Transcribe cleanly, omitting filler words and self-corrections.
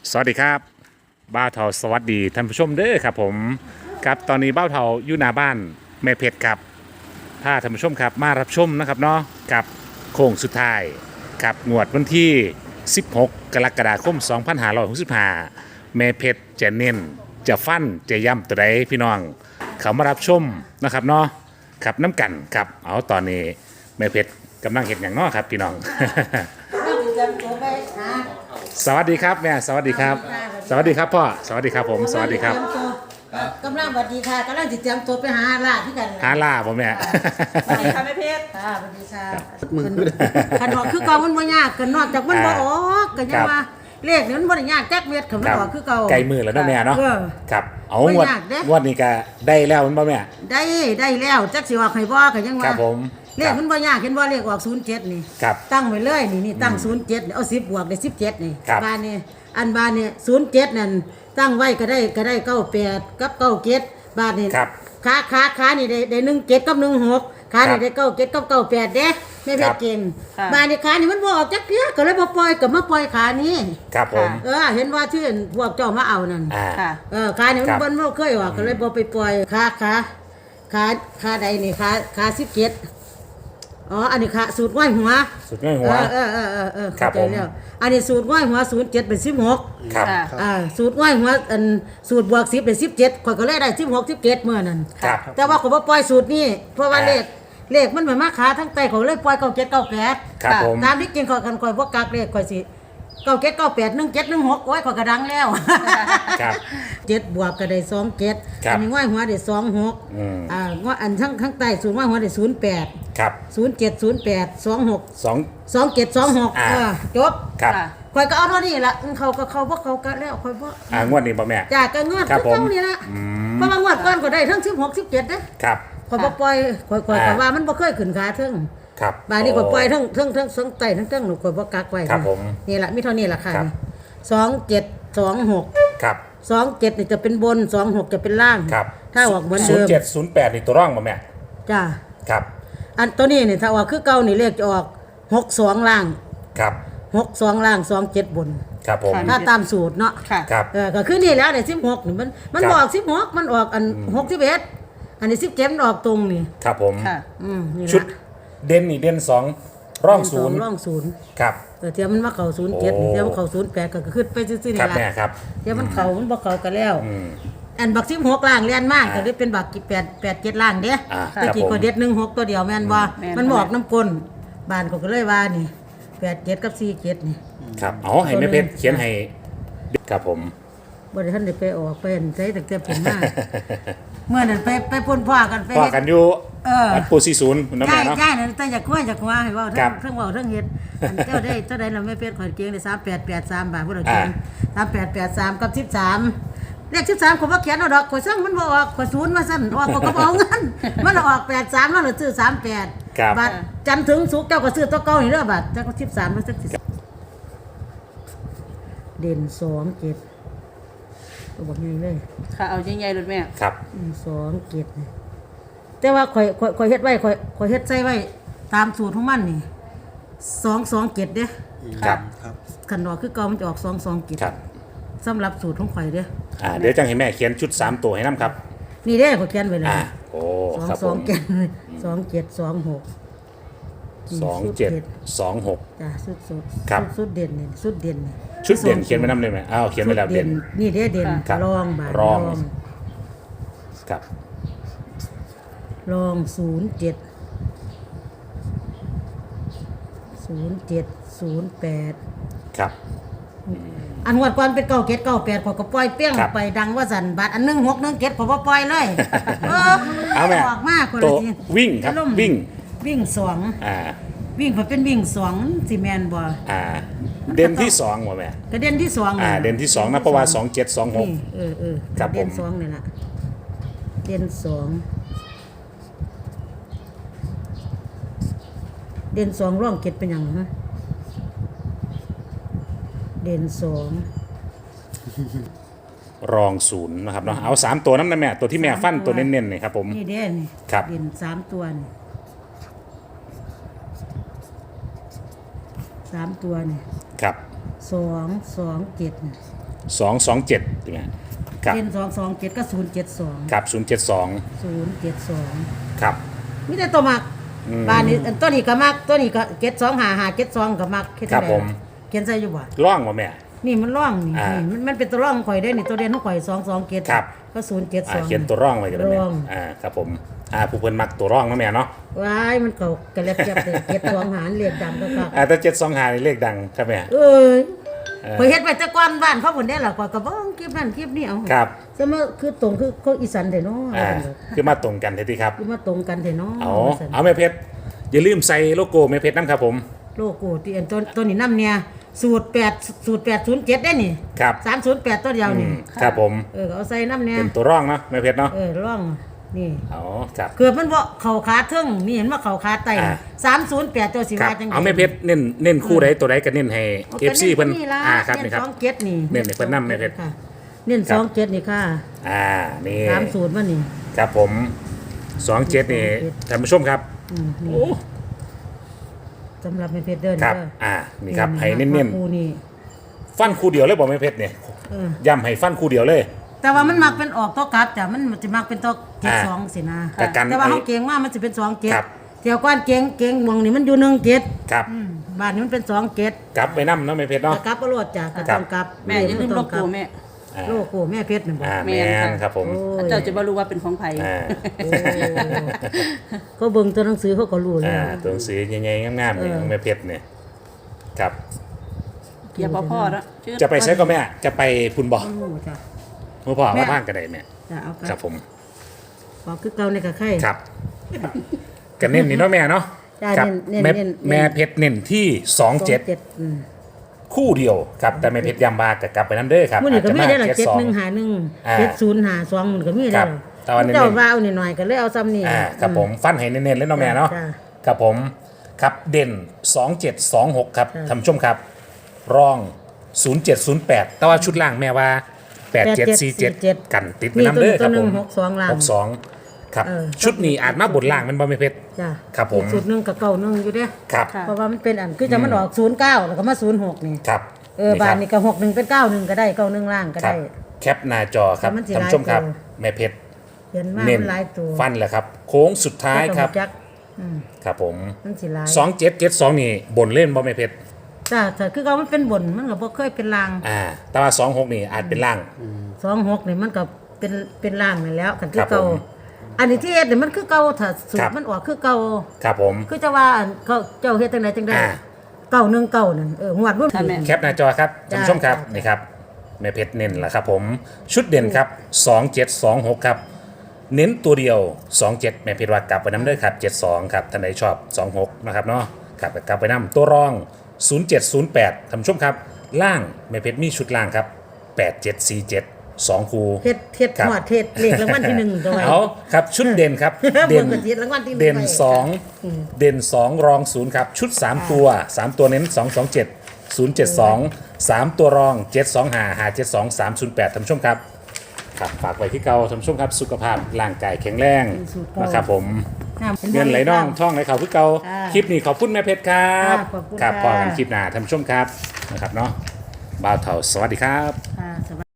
สวัสดีครับบ้าวเทาสวัสดีท่านผู้ชมเด้อครับผมครับตอนนี้บ้าวเทาอยู่หน้าบ้านแม่เพชรครับพาท่านผู้ชมครับมารับชมนะครับเนาะกับโค้งสุดท้ายกับงวดวันที่ 16 กรกฎาคม 2565แม่เพชรจะเน้นจะฟันจะย้ำตัวใดพี่น้องเขามารับชมนะครับเนาะครับน้ำกันครับเอาตอนนี้แม่เพชรกำลังเห็นอย่างเนาะครับพี่น้อง สวัสดีครับแม่สวัสดีครับ สวัสดีครับพ่อสวัสดีครับผมสวัสดีครับกำลังสวัสดีค่ะกำลังติดเตรียมตัวไปหาล่าที่กันหาล่าผมแม่สวัสดีค่ะแม่เพชรค่ะสวัสดีค่ะขันหอกคือเก่ามันบ่ยากกันนอกจากมันบ่ออกกันยังว่าเลขนี่มันบ่ได้ยากแจ๊กเม็ดขันมันออกคือเก่าไกลมือแล้วเนาะแม่เนาะครับเอางวดไม่ยากเด้งวดนี้ก็ได้แล้วมันบ่แม่ได้แล้วจักสิออกให้บ่กันยังคว่ารับผมเลขมันบ่ยากเห็นบ่เลขออก07นี่ครับตั้งไว้เลยนี่ตั้ง07นี่เอา10บวกได้17นี่ครับบ้านนี่อันบ้านนี่07นั่นตั้งไว้ก็ได้98กับ97บาทนี่ครับขานี่ได้17กับ16ขานี่ได้97กับ98เด้แม่เพชรเก่งบ้านนี่ขานี่มันบ่ออกจักเทื่อก็เลยบ่ปล่อยก็มาปล่อยขานี้ครับผมเห็นว่าที่พวกเจ้ามาเอานั่นอ่าขานี่มันครับบ่เคยออกก็เลยบ่ไปปล่อยขาใดนี่ขา17อ๋ออันนี้ขาสูตรง่อยหัวสุดง่ายหัว ครับเข้าใจแล้วอันนี้สูตรง่อยหัว07เป็น16 ครับสูตรง่อยหัวอันสูตรบวก10เป็น17ข่อยก็เลยได้16 17เมื่อนั้นครับแต่ว่าข่อยบ่ปล่อยสูตรนี้เพราะว่าเลขมันมาขาทั้งไตข่อยเลยปล่อย97 98 ครับผมตามที่จริงข่อยกันข่อยบ่กักเลขข่อยสิ97 98 17 16โอ้ยข่อยก็ดังแล้วครับ 7บวกก็ได้27 ครับอันนี้ง่อยหัวได้26 ง่อยอันข้างใต้สูตรง่อยหัวได้08 ครับ 07 08 26 สอง 27 26จบครับข่อยก็เอาเท่านี้ล่ะเขาก็เขาบ่เขาก็แล้วข่อยบ่งวดนี้บ่แม่จ้าก็งวดครับผมเท่านี้ล่ะเพราะว่างวดก่อนก็ได้ทั้ง16 17เด้ครับข่อยบ่ปล่อยข่อยก็ว่ามันบ่เคยขึ้นขาเทิงครับบาดนี้ข่อยปล่อยทั้งไตทั้งหนูข่อยบ่กักไว้ครับผมนี่ล่ะมีเท่านี้ล่ะค่ะครับ 27 26 ครับ 27นี่จะเป็นบน26จะเป็นล่างครับถ้าออกเหมือนศูเดินย์มเจ็ดศูนย์แปดนี่ตัวร่องบ่แม่จ้าครับอันตัวนี้นี่ถ้าออกคือเก่านี่เลขจะออก62ล่างครับ 62ล่าง27บนครับผมถ้าตามสูตรเนาะค่ะครับก็คือนี่แล้วเนี่ย16นี่มันครับบอก16มันออกอัน61อันนี้17มันออกตรงนี่ครับผมค่ะนี่ชุดละเด่นนี่เด่นสองร่องศูนย์ร่องศูนย์ครับเดี๋ยวมันมาเข้า07 โอ้เดี๋ยวมันเข้า08ก็ขึ้นไปซื่อๆครันี่บล่ะแม่ครับเดี๋ยวมันเข้ามันบ่เข้ากันแล้วอืมอันบัก16ล่างเรียนมากก็เลยเป็นบัก87ล่างเด้ครับตะกี้ผมก็เด็ด16ตัวเดียวแม่นบ่แม่นมันบอกน้ำกลบ้านก็เลยว่านี่87กับ47นี่ครับเอาให้แม่เพชรเขียนให้ครับผมบ่ได้ทันได้ไปออกไปเห็นใช้ตั้งแต่เป็นมา เมื่อนั้นไปพ่นพ่อกันไปพอเฮ็ดกันอยู่วัวัดปูซีศูนย์น้ำใช่แม่เนาะใช่นั่นแต่อยากคุยให้เว้าเทั้ครังบเว้าเทั้งเฮ็ดอันเจ้าได้เราไม่เป็นข่อยเก่งได้3883บาทพุ่นเอาเก่ง3883กับ13เลข13ข่อยบ่เขียนเอาดอกข่อยสั่งมันบ่ออกข่อยศูนย์มาซั่นออกข่อยก็บ่เอาเงิน มันออก83แล้วเราซื้อ38 ครับบาทจันทร์ถึงศุกร์เจ้าก็ซื้อตัวเก่านี่เด้อบาทเจ้าก็13มันสักสิเด่น2 7ตัวบอกง่ายเลยค่ะ เอาใหญ่ๆเลยแม่ครับ 2 7นี่แต่ว่าข่อยเฮ็ดไว้ข่อยเฮ็ดใส่ไว้ตามสูตรของมันนี่227เด้ครับคันดอกคือเก่ามันจะออก227 ครับสำหรับสูตรของข่อยเด้เดี๋ยวจังให้แม่เขียนชุด3ตัวให้น้ำครับนี่เด้ข่อยเขียนไว้เลยโอ้ครับผม 27 จ้ะสุดเด่นนี่สุดเด่นนี่ชุดเด่นเขียนไว้น้ำเลยไหมเขียนไว้แล้วเด่นนี่เด้เด่นครับรองบาทรอง ครับรอง07 08 ครับอันงวดก่อนเป็น97 98ข่อยก็ปล่อยเปี้ยงครับไปดังว่าสั่นบาทอัน1617ข่อยบ่ปล่อยเลยเอาแม่ออกมาคนตัละวทีวิ่งครับวิ่งวิ่งสองอ่าวิ่งเพิ่นเป็นวิ่งสองสิแม่นบ่เด่นที่2ว่ะแม่กระเด็นที่สองนี่เด่นที่2นะเพราะว่า2726 นี่ครับเด่นผมสองนี่ล่ะเด่นสองเด่นสองร่องเก็ดเป็นหยังฮะเด่นสองรองศูนย์นะครับเนาะเอา3ตัวนั้นนะแม่ตัวที่แม่ฟันตัวเน้นๆนี่ครับผมนี่เด่นนี่ครับเด่นสามตัวนี่สามตัวนี่ครับ 227นี่ 227ใช่ไหมครับเด่น227ก็072 ครับ072 072 ครับมีแต่ตัวมักบ้านนี้อันตัวนี้ก็มักตัวนี้ก็725572ก็มักเฮ็ดครัจับงผได๋มเขียนใส่อยู่บ่ร่องบ่แม่นี่มันร่องนี่อ่านี่มันเป็นตัวร่องข่อยได้นี่ตัวเด่นของข่อย227 ครับก็เขียนตัวร่องไว้กันเลยแม่ร่องครับผมผู้เพิ่นมักตัวร่องเนาะแม่เนาะว้ายมันเขากระเล็บจับเลยเก็ดสองหารเรียกดำก็คักแต่725นี่เลขดังครับแม่เอ้ยข่อยเฮ็ดไปแต่ก่อนบ้านเขาพุ่นได้ล่ะข่อยก็บ่คลิปนั้นคลิปนี้เอาครับซะมาคือตรงคือคนอีสานแท้เนาะคือมาตรงกันเท่ที่ครับคือมาตรงกันแท้เนาะเอาแม่เพชรอย่าลืมใส่โลโก้แม่เพชรนํครับผมโลโก้ที่อันตัวนี้นำเนี่ยสูตร807ได้นี่ครับ 308ตัวเดียวนี่ครับผมก็เอาใส่นำเนี่ยเป็นตัวร่องเนาะแม่เพชรเนาะร่องนี่อ๋อครับเกือบมันบ่เข้าขาเทิงนี่เห็นว่าเข้าขาไตอ่า 308ตัวสิครับว่าจังได๋เอาแม่เพชรเน้นคู่ใดตัวใดก็เน้นให้ FC เพิ่นครับนี่ครับ 27นี่เน้นให้เพิ่นนำแม่เพชรค่ะเน้นครับ 27นี่ค่ะนี่ 30มันนี่ครับผม27นี่ท่านผู้ชมครับนี่โอ้สำหรับแม่เพชรเดินครับเด้อนี่ครับให้เน้นคู่นี่ๆฟันคู่เดียวเลยบ่แม่เพชรเนี่ยเออย้ำให้ฟันคู่เดียวเลยแต่ว่ามันมักเป็นออกตัวกลับจ้ะมันจะมักเป็นตัวเกตอ่าสองสินะแต่กันแต่ว่าเขาเก่งมากมันจะเป็น2เกตครับเที่ยวก้อนเก่งหมองนี่มันอยู่1เกตครับบ้านนี้มันเป็น2เกตกลับไปนำเนาะแม่เพชรเนาะแต่กลับก็รวดจ้ะก็ครัต้บองกลับแม่อย่าลืมโลโก้แม่โลโก้แม่เพชรนี่บ่แม่นครับผมโอ้ยเจ้าจะบ่รู้ว่าเป็นของไผอ่าโอ้เขาเบิ่งตัวหนังสือเขาก็รู้แล้วตัวหนังสือใหญ่ๆงามๆนี่ของแม่เพชรเนี่ยครับอย่าบ่พ่อแล้วชื่อจะไปใช้ก็แม่จะไปพุ่นบ่โอ้จ้ะเมื่อพ่อแม่ว่าบ้านกันได้แม่จ้ะเอาครับผมบอกคือเก่าในกะไข่ครับกันเน้นนี่เนาะแม่เนาะจ้ะครับเน้นแม่เน้นแม่เพชรเน้นที่27 อืมคู่เดียวครับแต่แม่เพชรยำบากับกลับไปน้ำเด้อครับมื้อนี้ก็มีได้ล่ะอาจจะา 7151 7052มันก็มีคได้รับล่ะแต่ว่าเน้นๆเจ้าว่าเอาหน่อยๆก็เลยเอาซ้ำนี่ครับผมฟันให้เน้นๆเลยเนาะแม่เนาะจ้ะครับผมครับเด่น2726ครับจ้ะท่านผู้ชมครับรอง0708แต่ว่าชุดล่างแม่ว่า8747กันติดไปน้ำเด้อครับผมมีตัวหนึ่ง62ล่าง 62ครับเออชุดนี้อาจมาบนล่างมันบ่แม่เพชรจ้ะครับผมอีกสูตรหนึงกับเก่าหนึงอยู่เด้ครับค่ะเพราะว่ามันเป็นอันคือจะมันออก09แล้วก็มา06นี่ครับบ้านนี่ก็61เป็น91ก็ได้91ล่างก็ครับได้แคปหน้าจอครับแต่มันสิท่านผู้ชมครับหลายตัวแม่เพชรเห็นมาเน้นมันหลายตัวฟันแหละครับ โค้งสุดท้ายครับจักอืมครับผมมันสิหลาย 2772นี่บนเล่นบ่แม่เพชรจ้ะถ้าคือเขามันเป็นบนมันก็บ่เคยเป็นล่างแต่ว่า26นี่อาจเป็นล่าง 26นี่มันก็เป็นล่างนั่นแล้วคันคืครัอบ เก่าผมอันนี้ที่เฮ็ดนี่มันคือเก่าถ้าสูคตรัรบมันออกคือเก่าครับผมคือจะว่าอันเขาเจ้าเฮ็ดจังไดจังได๋อ่า 919นั่นหวดรุ่นค่ะแม่แคปหน้าจอครับท่านผู้ชมครับจ้านี่ครับแม่เพชรเน้นแหละครับผมชุดเด่นครับ2726ครับเน้นตัวเดียว 27แม่เพชรว่ากลับไปน้ำเด้อครับ72ครับท่านใดชอบ26นะครับเนาะครับกลับไปน้ำตัวรอง 0708ท่านผู้ชมครับล่างแม่เพชรมีชุดล่างครับ8747 2คูเฮ็ดครับหอดเฮ็ดเลขรางวัลที่1ตัวไว้เอาครับชุดเด่นครับเบิ่เด่งนกระติดรางวัลที่1 เด่นไว้เด่น2รอง0ครับชุด3ตัว3ตัวเน้น227 072 3ตัวรอง725 572 308ท่านผู้ชมครับครับฝากไว้ที่เก่าท่านผู้ชมครับสุขภาพร่างกายแข็งแรงนะครับผม เงินไหลน่องท่องไหลเข่าคือเก่าอ่าคลิปนี้ขอบคุณแม่เพชรครับอ่าขอบคุณครับค่ะพอกันคลิปหน้าท่านผู้ชมครับนะครับเนาะบ่าวเถาสวัสดีครับค่ะสวัสดี